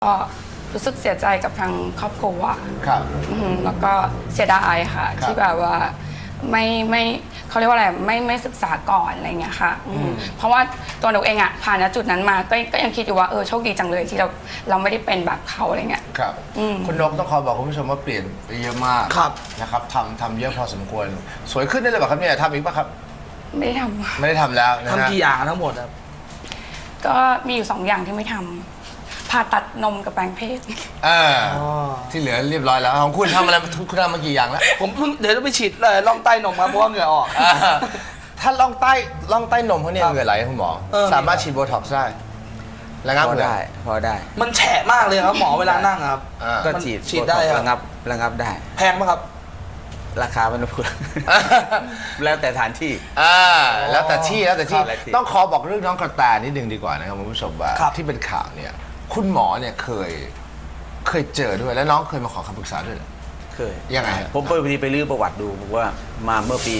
ก็รู้สึกเสียใจกับทางครอบครัวครับแล้วก็เสียดายค่ะที่แบบว่าไม่เขาเรียกว่าอะไรไม่ศึกษาก่อนอะไรเงี้ยค่ะเพราะว่าตัวหนูเองอะผ่านณจุดนั้นมาก็ยังคิดอยู่ว่าโชคดีจังเลยที่เราไม่ได้เป็นแบบเขาอะไรเงี้ยครับคุณนกต้องขอบอกคุณผู้ชมว่าเปลี่ยนไปเยอะมากนะครับทำเยอะพอสมควรสวยขึ้นได้เลยป่ะครับเนี่ยทำอีกป่ะครับไม่ได้ทำไม่ได้ทำแล้วนะฮะทำกี่อย่างทั้งหมดครับก็มีอยู่2 อย่างที่ไม่ทำผ่าตัดนมกับแปลงเพศที่เหลือเรียบร้อยแล้วของคุณทำอะไรคุณทำมากี่อย่างแล้วผมเดี๋ยวจะไปฉีดเลยล่องใต้นมครับเพราะว่าเหงื่อออกถ้าล่องใต้นมเขาเนี่ยเหงื่อไหลคุณหมอสามารถฉีดโบท็อกซ์ได้ระงับได้พอได้มันแฉะมากเลยครับหมอเวลานั่งครับก็ฉีดได้ระงับได้แพงไหมครับราคามันพูดแล้วแต่สถานที่แล้วแต่ที่ต้องขอบอกเรื่องน้องกระแตนิดนึงดีกว่านะครับคุณผู้ชมว่าที่เป็นข่าวเนี่ยคุณหมอเนี่ยเคยเจอด้วยแล้วน้องเคยมาขอคำปรึกษาด้วยเหรอเคยยังไงผมพอดีไปลื้อประวัติดูบอกว่ามาเมื่อปี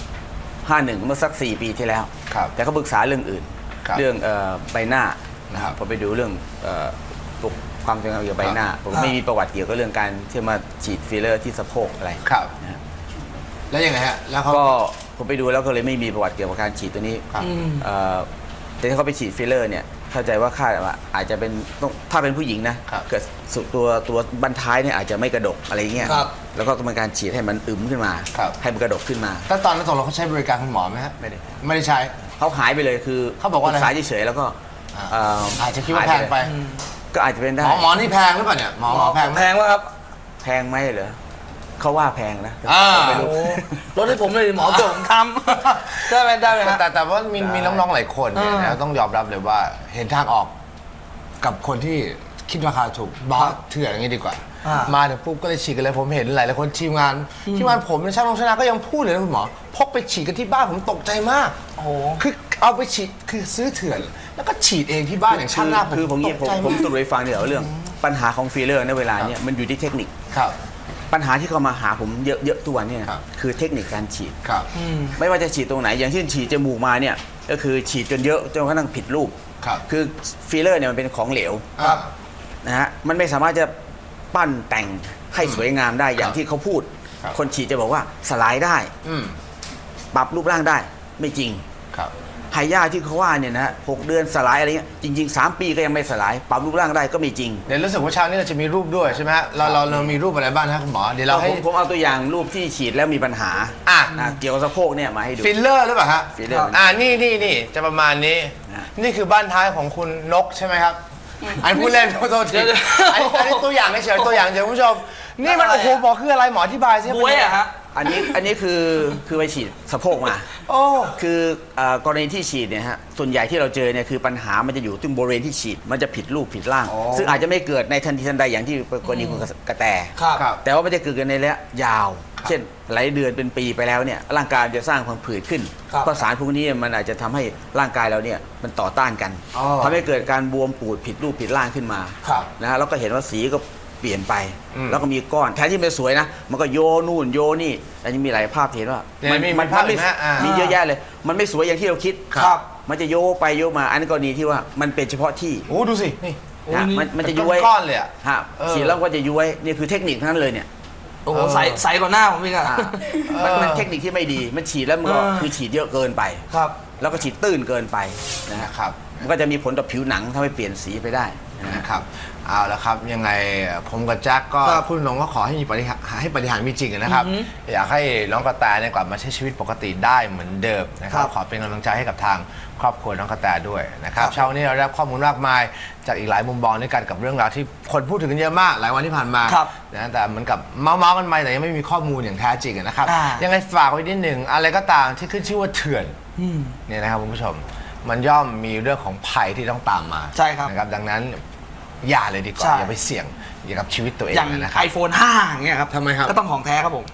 51เมื่อสัก4 ปีที่แล้วแต่เขาปรึกษาเรื่องอื่นเรื่องใบหน้านะครับพอไปดูเรื่องความสวยงามเกี่ยวกับใบหน้าผมไม่มีประวัติเกี่ยวกับเรื่องการที่มาฉีดฟิลเลอร์ที่สะโพกอะไรครับแล้วยังไงฮะแล้วเขาก็ผมไปดูแล้วก็เลยไม่มีประวัติเกี่ยวกับการฉีดตัวนี้แต่ถ้าเขาไปฉีดฟิลเลอร์เนี่ยเข้าใจว่าอาจจะเป็นถ้าเป็นผู้หญิงนะเกิดตัวบั้นท้ายเนี่ยอาจจะไม่กระดกอะไรเงี้ยแล้วก็ต้องการฉีดให้มันอึมขึ้นมาให้มันกระดกขึ้นมาแต่ตอนนั้นตกลงเขาใช้บริการคุณหมอไหมฮะไม่ได้ใช้เขาหายไปเลยคือเขาบอกว่าสายเฉยๆแล้วก็อาจจะคิดว่าแพงไปก็อาจจะเป็นได้หมอนี่แพงหรือเปล่าเนี่ยหมอแพงวะครับแพงไหมเหรอเขาว่าแพงนะไม่รู้รถให้ผมเลยหมอเกิดผมทำได้ไหมแต่ว่ามีน้องๆหลายคนเนี่ยนะต้องยอมรับเลยว่าเห็นทางออกกับคนที่คิดราคาถูกบอสเถื่อนอย่างนี้ดีกว่ามาถึงปุ๊บก็เลยฉีดกันเลยผมเห็นหลายคนทีมงานผมในช่างลงชนะก็ยังพูดเลยนะคุณหมอพกไปฉีดกันที่บ้านผมตกใจมากคือเอาไปฉีดคือซื้อเถื่อนแล้วก็ฉีดเองที่บ้านอย่างช่างหน้าคือผมสรุปให้ฟังเดี๋ยวเรื่องปัญหาของฟิลเลอร์ในเวลาเนี้ยมันอยู่ที่เทคนิคปัญหาที่เขามาหาผมเยอะตัวเนี่ยคือเทคนิคการฉีดไม่ว่าจะฉีดตรงไหนอย่างเช่นฉีดจมูกมาเนี่ยก็คือฉีดจนเยอะจนกระทั่งผิดรูปคือฟิลเลอร์เนี่ยมันเป็นของเหลวนะฮะมันไม่สามารถจะปั้นแต่งให้สวยงามได้อย่างที่เขาพูดคนฉีดจะบอกว่าสลายได้ปรับรูปร่างได้ไม่จริงไฮย่าที่เขาว่าเนี่ยนะ6 เดือนสลายอะไรเงี้ยจริงๆ3 ปีก็ยังไม่สลายปรับรูปร่างได้ก็ไม่จริงเดี๋ยวรู้สึกว่าเช้านี้เราจะมีรูปด้วยใช่ไหมฮะเรามีรูปอะไรบ้างครับคุณหมอเดี๋ยวเราให้ผมเอาตัวอย่างรูปที่ฉีดแล้วมีปัญหาเกี่ยวกับสะโพกเนี่ยมาให้ดูฟิลเลอร์หรือเปล่าฮะฟิลเลอร์นี่จะประมาณนี้นี่คือบ้านท้ายของคุณนกใช่ไหมครับอันพูดเล่นโทษทีอันนี้ตัวอย่างเฉยตัวอย่างเฉยคุณผู้ชมนี่มันโอ้โหหมอคืออะไรหมออธิบายสิบวยอะฮะอันนี้คือไปฉีดสะโพกมาคือกรณีที่ฉีดเนี่ยฮะส่วนใหญ่ที่เราเจอเนี่ยคือปัญหามันจะอยู่ตรงบริเวณที่ฉีดมันจะผิดรูปผิดร่างซึ่งอาจจะไม่เกิดในทันทีทันใดอย่างที่กรณีคุณกระแตแต่ว่ามันจะเกิดกันในระยะยาวเช่นหลายเดือนเป็นปีไปแล้วเนี่ยร่างกายจะสร้างความผืดขึ้นเพราะสารพวกนี้มันอาจจะทำให้ร่างกายเราเนี่ยมันต่อต้านกันทำให้เกิดการบวมปูดผิดรูปผิดร่างขึ้นมานะฮะแล้วก็เห็นว่าสีก็เปลี่ยนไปแล้วก็มีก้อนแทนที่มันสวยนะมันก็โยนู่นโยนี่แต่ยังมีหลายภาพเห็นว่ามันมีเยอะแยะเลยมันไม่สวยอย่างที่เราคิดมันจะโยไปโยมาอันนี้กรณีที่ว่ามันเป็นเฉพาะที่โอ้ดูสินี่มันจะย้วยก้อนเลยอะฉีดแล้วก็จะย้วยนี่คือเทคนิคทั้งนั้นเลยเนี่ยโอ้โหใสกว่าหน้าผมอีกอะมันเทคนิคที่ไม่ดีมันฉีดแล้วมันก็คือฉีดเยอะเกินไปแล้วก็ฉีดตื้นเกินไปนะครับมันก็จะมีผลต่อผิวหนังทำให้เปลี่ยนสีไปได้นะครับเอาละครับยังไงผมกับแจ็คก็พูดตรงว่าขอให้มีปฏิหารมีจริงนะครับอยากให้น้องกระแตเนี่ยกลับมาใช้ชีวิตปกติได้เหมือนเดิมนะครับขอเป็นกำลังใจให้กับทางครอบครัวน้องกระแตด้วยนะครับเช้านี้เราได้ข้อมูลมากมายจากอีกหลายมุมมองด้วยกันกับเรื่องราวที่คนพูดถึงกันเยอะมากหลายวันที่ผ่านมานะแต่เหมือนกับเมาส์กันไปแต่ยังไม่มีข้อมูลอย่างแท้จริงนะครับยังไงฝากไว้นิดหนึ่งอะไรก็ตามที่ขึ้นชื่อว่าเถื่อนเนี่ยนะครับคุณผู้ชมมันย่อมมีเรื่องของภัยที่ต้องตามมาใช่ครับนะครับดังนั้นอย่าเลยดีกว่าอย่าไปเสี่ยงอย่ากับชีวิตตัวเองนะครับ iPhone 5อย่างเงี้ยครับทำไมครับก็ต้องของแท้ครับผม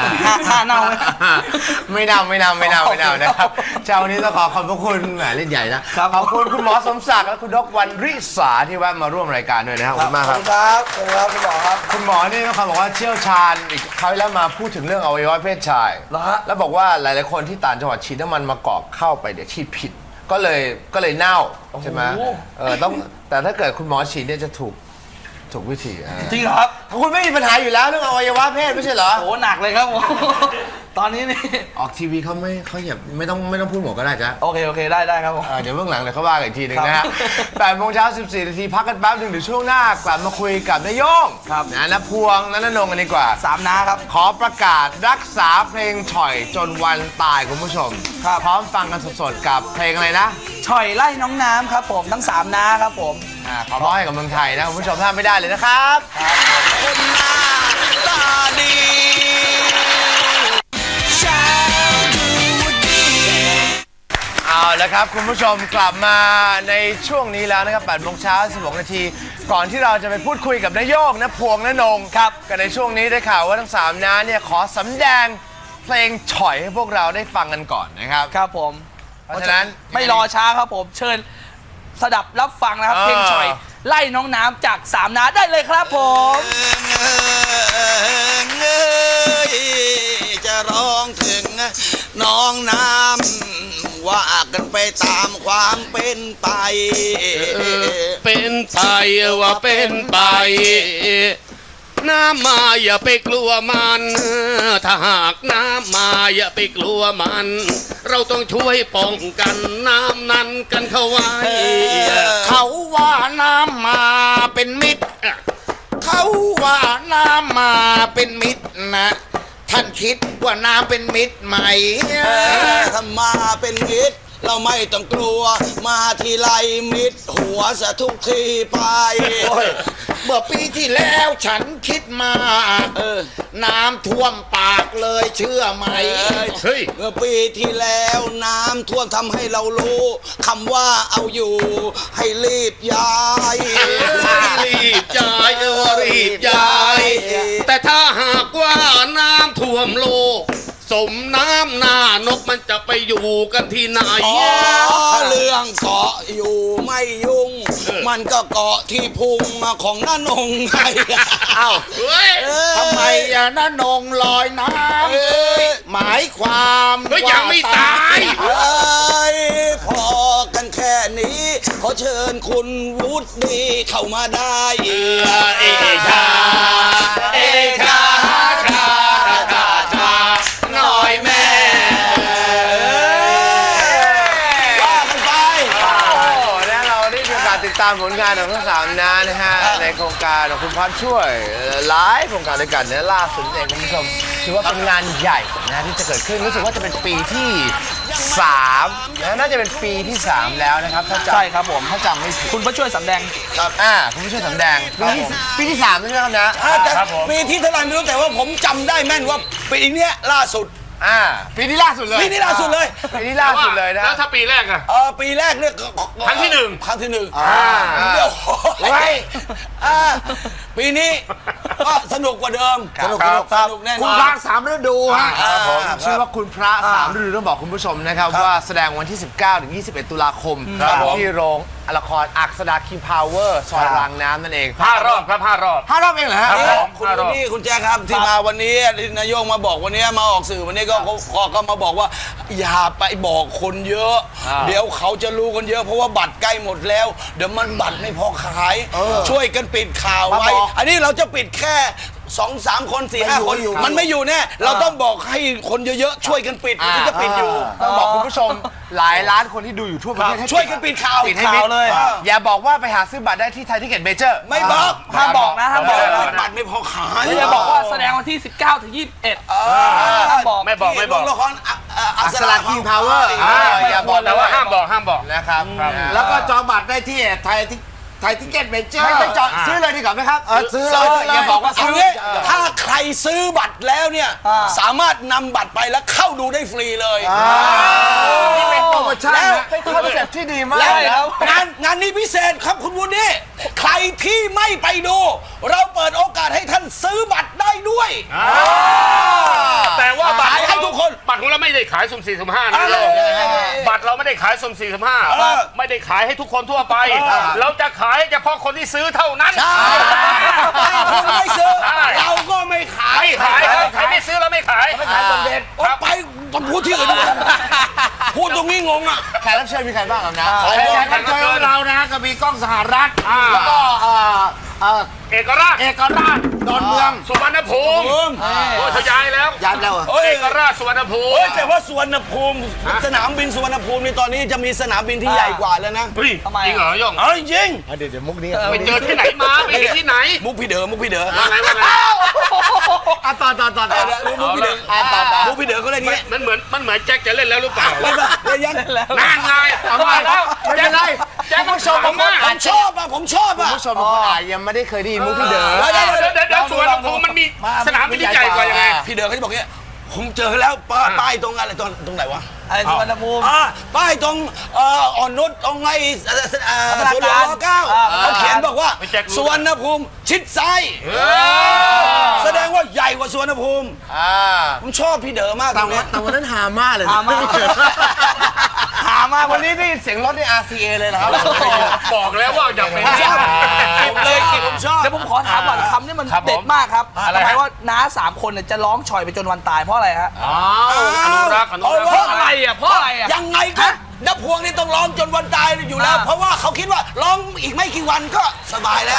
5เน่าไม่เน่านะครับเช้านี้ต้องขอบพระคุณแหมเล่นใหญ่นะขอบคุณคุณหมอสมศักดิ์และคุณดร.วรรณริษาที่แวะมาร่วมรายการด้วยนะครับขอบคุณมากครับครับคุณหมอครับคุณหมอนี่ต้องบอกว่าเชี่ยวชาญอีกคราวแล้วมาพูดถึงเรื่องอวัยวะเพศชายแล้วบอกว่าหลายๆคนที่ต่างจังหวัดฉีดน้ำมันมะกอกเข้าไปเดี๋ยวฉีดผิดก็เลยเน่าใช่ไหมต้องแต่ถ้าเกิดคุณหมอฉีดเนี่ยจะถูกถูกวิธีจริงเหรอครับคุณไม่มีปัญหาอยู่แล้วเรื่องอวัยวะเพศไม่ใช่เหรอโอ้หนักเลยครับผม ตอนนี้นี่ออกทีวีเขาอย่าไม่ต้องพูดหมดก็ได้จ้ะโอเคได้ครับผมเดี๋ยวเบื้องหลังเดี๋ยวเขาว่ากันอีกทีหนึ่งนะครัฮะบ 8 โมงเช้า 14 นาทีพักกันแป๊บหนึ่งเดี๋ยวช่วงหน้ากลับมาคุยกับนายโย่งครับนะพวงนนงกันดีกว่า 3 น้าครับขอประกาศรักษาเพลงฉ่อยจนวันตายคุณผู้ชมครับพร้อมฟังกันสดๆกับเพลงอะไรนะฉ่อยไล่น้องน้ำครับผมทั้ง 3 น้าครับผมขอร้องให้กับเมืองไทยนะคุณผู้ชมพลาดไม่ได้เลยนะครับคนหน้าตาดีเอาละครับคุณผู้ชมกลับมาในช่วงนี้แล้วนะครับ 8 โมงเช้า 16 นาที ก่อนที่เราจะไปพูดคุยกับนายโยงนะพวงนนงครับกันในช่วงนี้ได้ข่าวว่าทั้ง 3 น้าเนี่ยขอสำแดงเพลงฉ่อยให้พวกเราได้ฟังกันก่อนนะครับครับผมเพราะฉะนั้นไม่รอช้าครับผม เชิญสดับรับฟังนะครับ เพลงฉ่อยไล่น้องน้ำจาก 3 น้าได้เลยครับผมจะร้องถึงน้องน้ำว่ากันไปตามความเป็นไปเป็นไปว่าเป็นไป น้ำมาอย่าไปกลัวมัน ถ้าหากน้ำมาอย่าไปกลัวมัน เราต้องช่วยป้องกันน้ำนั้นกันเข้าไว้เขาว่าน้ำมาเป็นมิตร เขาว่าน้ำมาเป็นมิตรนะ ท่านคิดว่าน้ำเป็นมิตรไหมถ้ามาเป็นมิตรเราไม่ต้องกลัว มาทีไรมิตรหัวสะทุกทีไป เมื่อปีที่แล้วฉันคิดมาน้ำท่วมปากเลยเชื่อไหมเฮ้ยเมื่อปีที่แล้วน้ำท่วมทำให้เรารู้คำว่าเอาอยู่ให้รีบย้ายรีบย้ายรีบย้าย แต่ถ้าหากว่าน้ำท่วมโลก สมน้ำหน้านกมันจะไปอยู่กันที่ไหนเรื่องเกาะอยู่ไม่ยุ่ง มันก็เกาะที่พุงของน้านงไงอ้าวเฮ้ยทำไมน้านงลอยน้ำหมายความเฮ้ยยังไม่ตายพอกันแค่นี้ ขอเชิญคุณวุฒิเข้ามาได้เอชาเอชาชาชาชาหน่อยแม่ว่ากันไปโอ้และเราได้มีโอกาสติดตามผลงานของทั้ง 3 น้านะฮะในโครงการของคุณพัฒน์ช่วยหลายโครงการด้วยกันเนี่ยล่าสุดเองคุณผู้ชมถือว่าเป็นงานใหญ่นะที่จะเกิดขึ้นรู้สึกว่าจะเป็นปีที่3นะน่าจะเป็นปีที่ 3 แล้วนะครับถ้าจำใช่ครับผมถ้าจำไม่ผิดคุณผู้ช่วยสำแดงคุณผู้ช่วยสำแดงปีที่ 3ใช่ไหมครับนะแต่ปีที่เท่าไหร่ไม่รู้แต่ว่าผมจำได้แม่นว่าปีเนี้ยล่าสุดปีที่ล่าสุดเลยปีนี้ล่าสุดเลยปีที่ล่าสุดเลยนะแล้วถ้าปีแรกอะปีแรกเนี่ยครั้งที่หนึ่งครั้งที่หนึ่งเดี๋เดี๋ยยว วปีนี้ก็สนุกกว่าเดิมสนุกแน่นอนคุณพระ3 ฤดูฮะผมชื่อว่าคุณพระ3 ฤดูต้องบอกคุณผู้ชมนะครับว่าแสดงวันที่ 19 ถึง 21 ตุลาคมที่โรงละครอักษดาคิมพาวเวอร์ซอยรางน้ำนั่นเอง 5 รอบครับ 5 รอบ 5 รอบเองเหรอฮะครับผมคุณนี่คุณแจ๊คครับที่มาวันนี้ที่นายกมาบอกวันนี้มาออกสื่อวันนี้ก็มาบอกว่าอย่าไปบอกคนเยอะ เดี๋ยวเขาจะรู้กันเยอะเพราะว่าบัตรใกล้หมดแล้ว เดี๋ยวมันบัตรไม่พอขาย ช่วยกันปิดข่าวไว้ อันนี้เราจะปิดแค่ 2-3 คน 4-5 คนมันไม่อยู่แน่เราต้องบอกให้คนเยอะๆช่วยกันปิดมันถึงจะปิดอยู่ต้องบอกคุณผู้ชมหลายล้านคนที่ดูอยู่ทั่วประเทศให้ช่วยกันปิดข่าวปิดให้มิดเลยอย่าบอกว่าไปหาซื้อบัตรได้ที่ไทยทิเก็ตเมเจอร์ไม่บอกห้ามบอกนะห้ามบอกนะบัตรไม่พอขายแล้วอย่าบอกว่าแสดงวันที่ 19 ถึง 21ห้ามบอกไม่บอกโรงละครอักษดาคิมพาวเวอร์อย่าบอกแต่ว่าห้ามบอกนะครับแล้วก็จองบัตรได้ที่ไทยทิเก็ตเมเจอร์ให้ไปจอดซื้อเลยดีกว่าไหมครับซื้อซื้อเลยอย่าบอกว่าเอาซื้องี้ถ้าใครซื้อบัตรแล้วเนี่ยสามารถนำบัตรไปแล้วเข้าดูได้ฟรีเลยนี่เป็นโปรโมชั่นเป็นคอนเซ็ปต์ที่ดีมากแล้วงานนี้พิเศษครับคุณวุฒิใครที่ไม่ไปดู เราเปิดโอกาสให้ท่านซื้อบัตรได้ด้วยแต่ว่าบัตรขายให้ทุกคนบัตรของเราไม่ได้ขายสุ่ม4สุ่ม5นะโลกบัตรเราไม่ได้ขายสุ่ม4สุ่ม5ไม่ได้ขายให้ทุกคนทั่วไป เราจะขายเฉพาะคนที่ซื้อเท่านั้นถ้าคุณไม่ซื้อใช่เราก็ไม่ขายไม่ขายครับใครไม่ซื้อเราไม่ขายขายสมเด็จไปพูดที่อื่นดีกว่าพูดตรงนี้งงอ่ะแขกรับเชิญมีใครบ้างครับนะแขกรับเชิญของเรานะก็มีกล้องสหรัฐแล้วก็เอกราชเอกราชดอนเมืองสุวรรณภูมิโอ้ยเขาย้ายแล้วย้ายไปแล้วเหรอเอกราชสุวรรณภูมิเฮ้ยแต่ว่าสุวรรณภูมิสนามบินสุวรรณภูมินี่ตอนนี้จะมีสนามบินที่ใหญ่กว่าแล้วนะเฮ้ยทำไมจริงเหรอย่องเอ้ยจริงเดี๋ยวมุกนี้ไปเจอที่ไหนมาไปเห็นที่ไหนมุกพี่เด๋อมุกพี่เด๋อว่าไงว่าไงต่อมุกพี่เด๋อมุกพี่เด๋อเขาเล่นอย่างงี้มันเหมือนแจ็คจะเล่นแล้วหรือเปล่าไม่ป่ะเล่นยังนั่นไงเอามาแล้วไม่เป็นไรแจ็คต้องชมผมมากผมชอบอ่ะผมชอบอ่ะผู้ชมบางคนอาจยังไม่ได้เคยได้ยินมุกพี่เด๋อเดี๋ยวสุวรรณภูมิมันมีสนามบินที่ใหญ่กว่ายังไงพี่เด๋อเขาจะบอกเงี้ยผมเจอแล้วป้ายตรงอะไรตรงไหนวะอะไรสุวรรณภูมิป้ายตรงอ่อนนุชตรงไอ้สวนหลวงร.9เขาเขียนบอกว่าไม่แจ็ครู้สุวรรณภูมิชิดซ้ายแสดงว่าใหญ่กว่าสุวรรณภูมิผมชอบพี่เด๋อมากแต่วันนั้นหามากเลยนะหามากหามากวันนี้ได้ยินเสียงรถใน RCA เลยนะครับบอกแล้วว่าอย่าไปผมชอบเก็บเลยเก็บผมชอบเดี๋ยวผมขอถามก่อนคำนี้มันครับผมเด็ดมากครับอะไรทำฮะไมว่าน้า3 คนเนี่ยจะร้องฉ่อยไปจนวันตายเพราะอะไรฮะอ้าวอนุรักษ์อนุรักษ์เพราะอะไรอ่ะเพราะอะไรอ่ะยังไงก็นับพวงนี่ต้องร้องจนวันตายอยู่แล้ว เพราะว่าเขาคิดว่าร้องอีกไม่กี่วันก็สบายแล้ว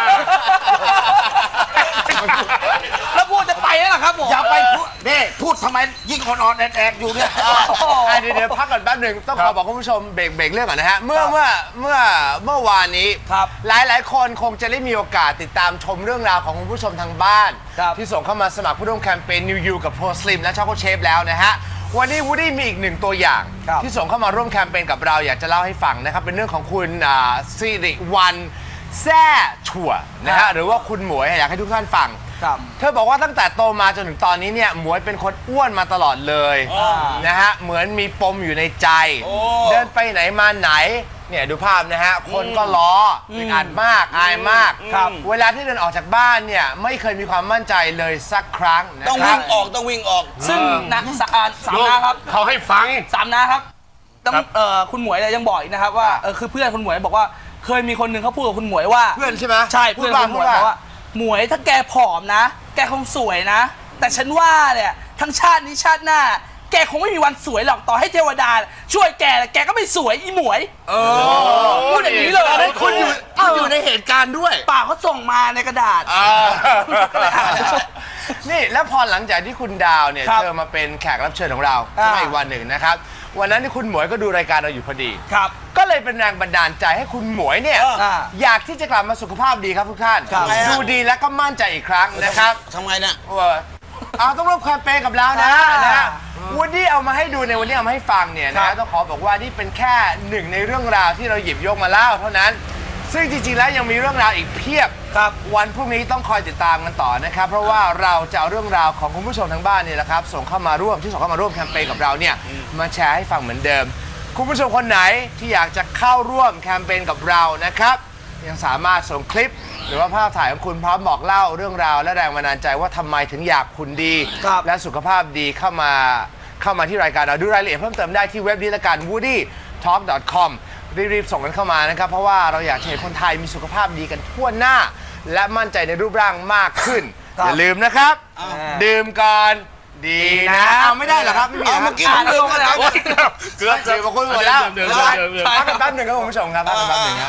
แล้วพูดจะไปแล้วล่ะครับผมอย่าไปพูดนี่พูดทำไมยิ่งอ่อนๆแอดๆอยู่เนี่ยเดี๋ยวพักก่อนแป๊บหนึ่งต้องขอบอกคุณผู้ชมเบรกเรื่องก่อนนะฮะเมื่อวานนี้ครับหลายคนคงจะได้มีโอกาสติดตามชมเรื่องราวของคุณผู้ชมทางบ้านครับที่ส่งเข้ามาสมัครผู้ร่วมแคมเปญ New You กับ Pro Slim และ Choco Chef แล้วนะฮะวันนี้วูดดี้มีอีกหนึ่งตัวอย่างครับที่ส่งเข้ามาร่วมแคมเปญกับเราอยากจะเล่าให้ฟังนะครับเป็นเรื่องของคุณสิริวัลแซ่ถั่วนะฮะหรือว่าคุณหมวยอยากให้ทุกท่านฟังครับเธอบอกว่าตั้งแต่โตมาจนถึงตอนนี้เนี่ยหมวยเป็นคนอ้วนมาตลอดเลยนะฮะเหมือนมีปมอยู่ในใจ เดินไปไหนมาไหนเนี่ยดูภาพนะฮะคนก็ล้ออึดอัดมากอายมากครับเวลาที่เดินออกจากบ้านเนี่ยไม่เคยมีความมั่นใจเลยสักครั้งนะต้องครัวิ่บงออกต้องวิ่งออกซึ่งนักสามน้าครับเขาให้ฟัง 3 น้าครับต้องครับคุณหมวยเนี่ยยังบอกอีกนะครับว่าคือเพื่อนคุณหมวยบอกว่าเคยมีคนหนึ่งเขาพูดกับคุณหมวยว่าเพื่อนใช่ไหมใช่พูเพื่ดอนว่าคุณหมวยบอกว่าหมวยถ้าแกผอมนะ แกคงสวยนะ แต่ฉันว่าเนี่ยทั้งชาตินี้ชาติหน้า แกคงไม่มีวันสวยหรอกต่อให้เทวดา ช่วยแกแกก็ไม่สวยอีหมวยพูดอย่างนี้เลยคุณอยู่ในเหตุการณ์ด้วยป่ากเขาส่งมาในกระดาษ ก็เลยอ่านนี่แล้วพอหลังจากที่คุณดาวเนี่ยครับเธอมาเป็นแขกรับเชิญของเราขึ้นมาอีกวันหนึ่งนะครับวันนั้นที่คุณหมวยก็ดูรายการเราอยู่พอดีครับก็เลยเป็นแรงบันดาลใจให้คุณหมวยเนี่ย อยากที่จะกลับมาสุขภาพดีครับทุกท่านครับดูดีและก็มั่นใจอีกครั้งนะครับทำไงเนี่ยเอาต้องร่วมแคมเปญกับเรานะนะวันนี้เอามาให้ดูในวันนี้เอามาให้ฟังเนี่ยนะต้องขอบอกว่านี่เป็นแค่หนึ่งในเรื่องราวที่เราหยิบยกมาเล่าเท่านั้น ซึ่งจริงๆแล้วยังมีเรื่องราวอีกเพียบวันพรุ่งนี้ต้องคอยติดตามกันต่อนะครับเพราะว่าเราจะเอาเรื่องราวของคุณผู้ชมทางบ้านเนี่ยแหละครับส่งเข้ามาร่วมแคมเปญกับเราเนี่ยมาแชร์ให้ฟังเหมือนเดิม คุณผู้ชมคนไหนที่อยากจะเข้าร่วมแคมเปญกับเรานะครับยังสามารถส่งคลิป หรือว่าภาพถ่ายของคุณพร้อมบอกเล่าเรื่องราวและแรงบันดาลใจว่าทำไมถึงอยากคุณดี และสุขภาพดีเข้ามาที่รายการเราดูรายละเอียดเพิ่มเติมได้ที่เว็บนี้ละกัน woodytalk.com รีบๆส่งกันเข้ามานะครับเพราะว่าเราอยากเห็นคนไทยมีสุขภาพดีกันทั่วหน้า และมั่นใจในรูปร่างมากขึ้นอย่าลืมนะครับดื่มก่อนดีนะเอาไม่ได้เหรอครับไม่มีเอาเหรอเมื่อกี้อ่าผมนลืลมงไปมาแล้แล้ว วเกือบเจอมาคุยหมดแล้วเดิมพักกันแป๊บหนึ่งครับคุณผู้ชมครับพักกันแป๊บหนึ่งครับ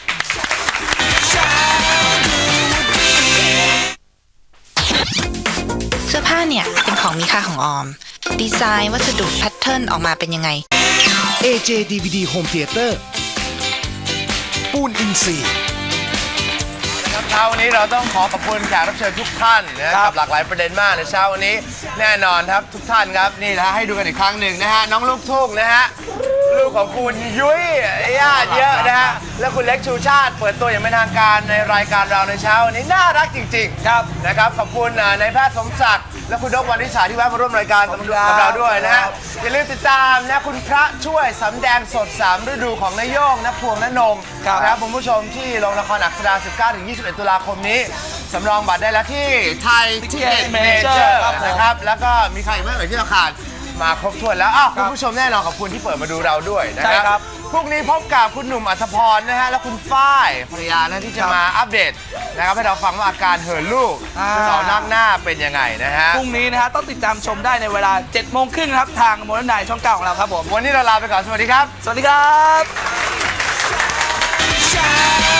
เสื้อผ้าเนี่ยเป็นของมีค่าของออม ดีไซน์วัสดุแพทเทิร์นออกมาเป็นยังไง AJ DVD Home Theater ปูนอินซีย์เช้าวันนี้เราต้องขอขอบคุณแขกรับเชิญทุกท่านนะกับหลากหลายประเด็นมากในเช้าวันนี้แน่นอนครับทุกท่านครับนี่นะให้ดูกันอีกครั้งหนึ่งนะฮะน้องลูกทุ่งนะฮะลูกของคุณยุ้ยญาติเยอะนะฮะและคุณเล็กชูชาติเปิดตัวอย่างเป็นทางการในรายการเราในเช้าวันนี้น่ารักจริงๆครับนะครับขอบคุณนายแพทย์สมศักดิ์และคุณดกวันนิสาที่แวะมาร่วมรายการกับเราด้วยนะฮะอย่าลืมติดตามนะคุณพระช่วยสำแดงสด3ฤดูของนายโย่งนะพวงและนงนะครับคุณผู้ชมที่โรงละครอักษรา 19-21 ตุลาคมนี้สำรองบัตรได้แล้วที่ไทยทิเก็ตเมเจอร์นะครับแล้วก็มีใครอีกบ้างที่เราขาดมาครบถ้วนแล้วคุณผู้ชมแน่นอนขอบคุณที่เปิดมาดูเราด้วยนะครับพรุ่งนี้พบกับคุณหนุ่มอัธพรนะฮะและคุณฝ้ายภรรยานะที่จะมาอัปเดตนะครับให้เราฟังว่าอาการเหินลูกสาวนักหน้าเป็นยังไงนะฮะพรุ่งนี้นะฮะต้องติดตามชมได้ในเวลา 7 โมงครึ่งครับทางโมเดิร์นไนท์ช่อง 9 ของเราครับผมวันนี้เราลาไปก่อนสวัสดีครับสวัสดีครับ